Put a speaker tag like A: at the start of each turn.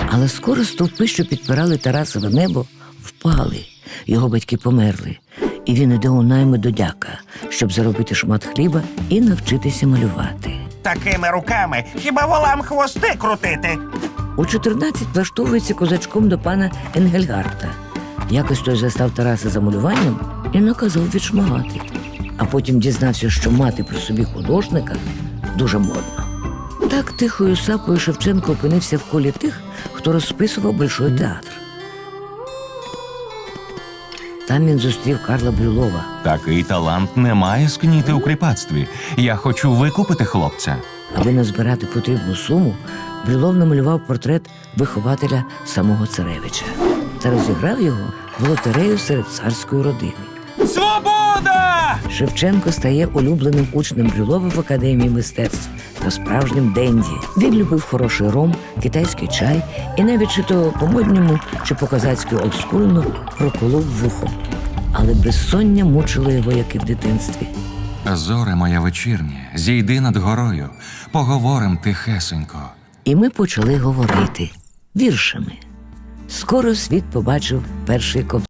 A: Але скоро стовпи, що підпирали Тарасове небо, впали. Його батьки померли. І він іде у найми до дяка, щоб заробити шмат хліба і навчитися малювати.
B: Такими руками хіба волам хвости крутити?
A: У 14 влаштовується козачком до пана Енгельгарта. Якось той застав Тараса за малюванням і наказав відшмагати. А потім дізнався, що мати при собі художника дуже модно. Так тихою сапою Шевченко опинився в колі тих, хто розписував Большой театр. Там він зустрів Карла Брюлова.
C: Такий талант не має скніти у кріпацтві. Я хочу викупити хлопця.
A: Аби назбирати потрібну суму, Брюлов намалював портрет вихователя самого царевича та розіграв його в лотерею серед царської родини.
C: Свобода!
A: Шевченко стає улюбленим учнем Брюлова в Академії мистецтв та справжнім денді. Він любив хороший ром, китайський чай і навіть чи то по-модньому, чи по-козацьки олдскульно проколов вухо. Але безсоння мучило його, як і в дитинстві.
C: Зоре моя вечірнє, зійди над горою, поговорим тихесенько.
A: І ми почали говорити віршами. Скоро світ побачив перший ковток.